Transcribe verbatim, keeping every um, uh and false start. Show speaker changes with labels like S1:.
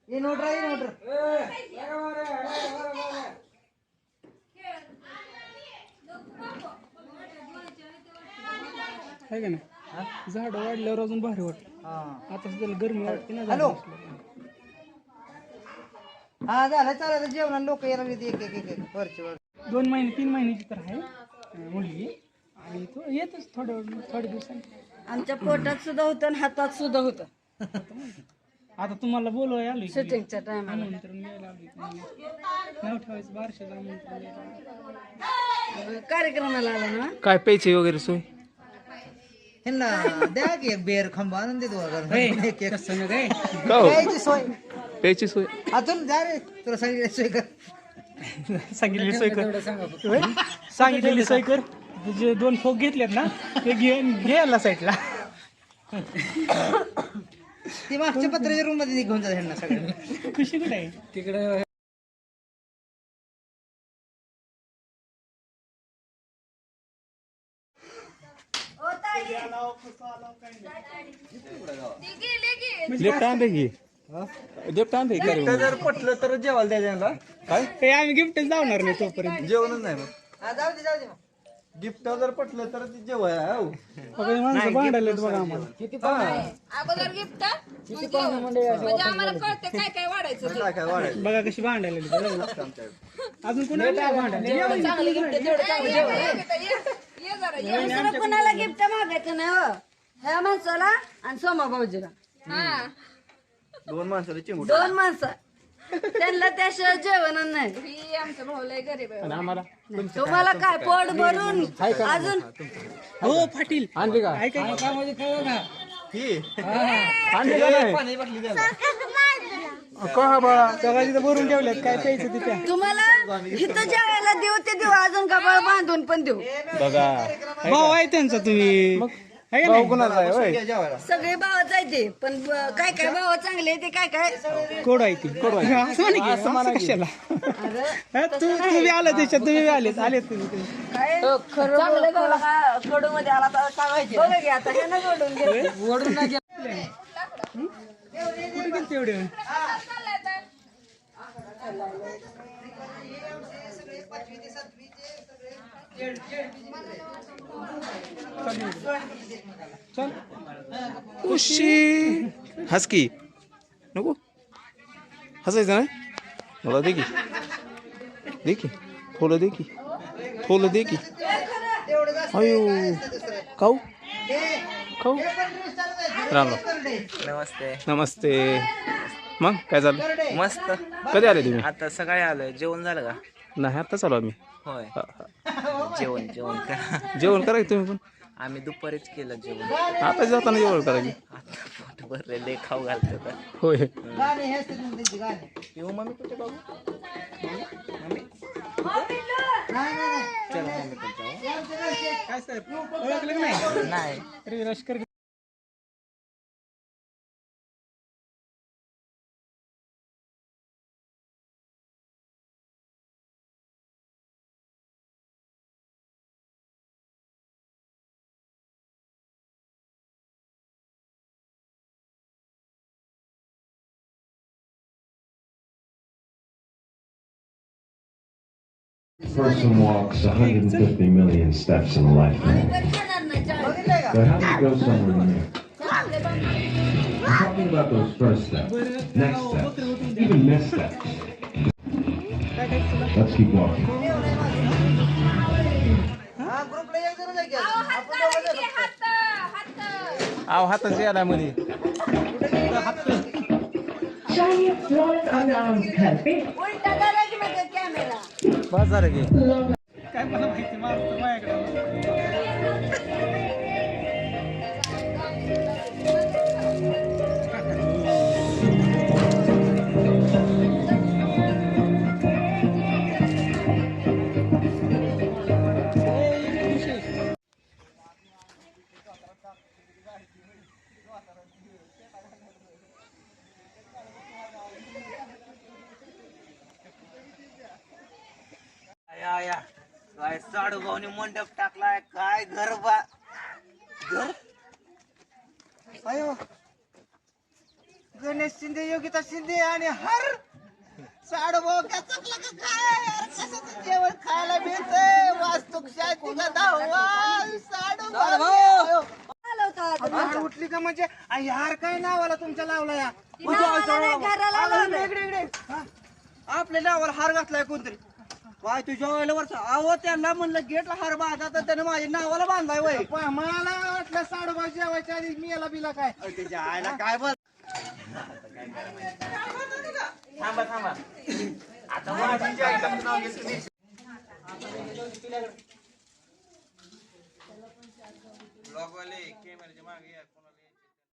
S1: ये नोट रा, ये नोट रा.
S2: आहे का नाही झाड वाढल्यावर अजून भारी वाटत. आता सुद्धा गरमी वाटते ना.
S1: हॅलो हा झालं चालेल जेवण लोक यायला एक एक एक एक वरची वर.
S2: दोन महिने तीन महिन्याची तर आहे अं, मुलगी आणि तो येतच थोड्या थोड्या दिवसांनी.
S3: आमच्या पोटात सुद्धा होतं आणि हातात सुद्धा होतं
S2: आता तुम्हाला बोलवाय आलोय की.
S3: शूटिंगच्या टायमाला.
S2: आमंत्रण द्यायला आलोय तुम्हाला. नाव ठेवायचं बारशाचं आमंत्रण द्यायला.
S3: कार्यक्रमाला आला ना.
S4: काय प्यायची वगैरे सोय?
S1: ह्यांना द्या की एक बेर खांबा आणून देतो वगैरे.
S2: हे,
S1: एक एक
S2: तसं नाही रे.
S4: का हो?
S1: प्यायची सोय
S4: प्यायची सोय
S1: अजून जा रे तुला सांगितलं सोय कर.
S2: सांगितलेली सोय कर. होय? सांगितलेली सोय कर. जे दोन फोक घेतलेत ना ते घे घ्यायला साईडला.
S1: ती मागच्या पत्राच्या रूम मध्ये घेऊन जा ह्यांना सगळ्यांना.
S2: खुशी कुठे आहे तिकडे?
S4: लेफ्ट आणते की लेफ्ट आणते की
S5: जर पटलं तर जेवायला द्यायला
S2: काय ते आम्ही गिफ्टच जाणार नाही तोपर्यंत.
S5: जेवणच नाही मग
S1: हा, जाऊ दे जाऊ दे मग.
S5: गिफ्ट जर पटलं तर ते जेवाय
S2: बघा हे माणसं भांडायला बघा आम्हाला.
S6: अगोदर गिफ्ट म्हणजे आम्हाला कळते काय काय वाढायचं ते.
S5: काय काय वाढायचं
S2: बघा कशी भांडायला अजून कोणाला भांडायला.
S6: चांगलं गिफ्ट तेवढं चांगलं जेवण. ये ये जरा ये.
S3: दुसरं कोणाला गिफ्ट मागायचं नाही हो. ह्या माणसाला आणि सोमा भाऊजीला.
S6: हा
S5: दोन माणसाला चिंगूट
S3: दोन माणसं त्यांना त्याशिवाय जेवण नाही.
S6: ही आमचं भाऊ लय गरीब आहे.
S4: आम्हाला
S3: तुम्हाला काय पोट भरून अजून
S2: हो पाटील
S4: आणली का?
S2: ऐका
S5: ही
S4: आणली का नाही?
S5: पाणी बाटली द्या
S4: का बाळा
S2: सगळ्या तिथं भरून ठेवल्यात काय प्यायचं ते प्या.
S3: तुम्हाला इथं जेवायला देऊ ते देऊ अजून कपाळ बांधून पण देऊ.
S4: बघा
S2: भाऊ आहे त्यांचा तुम्ही. आहे का
S4: भाऊ
S2: नाही?
S4: कोणाचा आहे होय?
S5: जेवायला
S3: सगळे भाव जायचे पण ब- काय काय भाव चांगले ते काय काय
S2: कोड आहे ती असं म्हणे की, असं कशाला हा, तू तुम्ही आला त्याच्यात तुम्ही आलेत आलेत तुम्ही तुम्ही.
S3: काय चांगले भाव कडू मध्ये आला तर काय व्हायचे बघा की आता हे ना कडून घे ओढून नाही
S2: कुठे गेलते एवढे? चल
S4: उशी हस की नको हसायचं नाही मला दे की दे की फुलं दे की फुलं दे की अयो खाऊ खाऊ राम राम
S7: नमस्ते.
S4: नमस्ते. मग काय झालं?
S7: मस्त.
S4: कधी आले तुम्ही?
S7: आता सकाळी आलोय. जेवण झालं का?
S4: नाही आता चालू आम्ही.
S7: होय.
S4: हा, हा.
S7: जेवण जेवण करा.
S4: जेवण करा की तुम्ही पण.
S7: आम्ही दुपारीच केलं जेवण.
S4: आता जाताना जेवण करायची.
S7: आता पोट भरलेले खाऊ घालतो का?
S4: होय
S1: गाणे हे असते तुमचे त्यांची गाणे.
S7: येऊ मम्मी कुठे बाबू? मम्मी
S1: नाही नाही नाही.
S7: चला मम्मी कुठे जाऊ?
S2: काय साहेब ओळखलं की नाही?
S7: नाही.
S2: अरे लष्कर
S8: Person walks one hundred fifty million steps in a lifetime. But how do you go somewhere new? I'm talking about those first steps, next steps, even missteps. Let's keep walking.
S1: हा ग्रुपला एक जण जागी आहे. आपण दोघं जण.
S6: हात हात
S4: आव हाताची याला मध्ये
S3: उलटा करा की मग कॅमेरा.
S4: बस झालं की.
S2: काय मला माहिती मारतो माझ्याकडे.
S7: या या काय साडू भाऊनी मंडप टाकलाय. काय घर बा घर
S1: अयो गणेश शिंदे योगिता शिंदे आणि हर साडूभाऊ काय चकला का काय यार, कशाचं जेवण खायला मिळतंय वास्तुक शांती का दहावा साडूभाऊ
S3: आलं होतं आता.
S1: हार उठली का म्हणजे आ, यार काय नावाला तुमच्या लावला या
S3: ती नावाला नाही, घराला लावलंय.
S5: इकडे इकडे हा. आपल्या नावावर हार घातलाय कोणतरी काय तुझ्या वेळेला वरचा अहो त्यांना म्हणलं गेटला हार बांधा तर त्यानं माझ्या नावाला बांधलाय वय
S1: पा- मला वाटलं साडूभाऊ जेवायच्या आधी मी याला बिला काय
S5: त्याच्या आईला काय बोल
S7: थांबा थांबा आता ब्लॉगवाले कॅमेऱ्याच्या मागे या.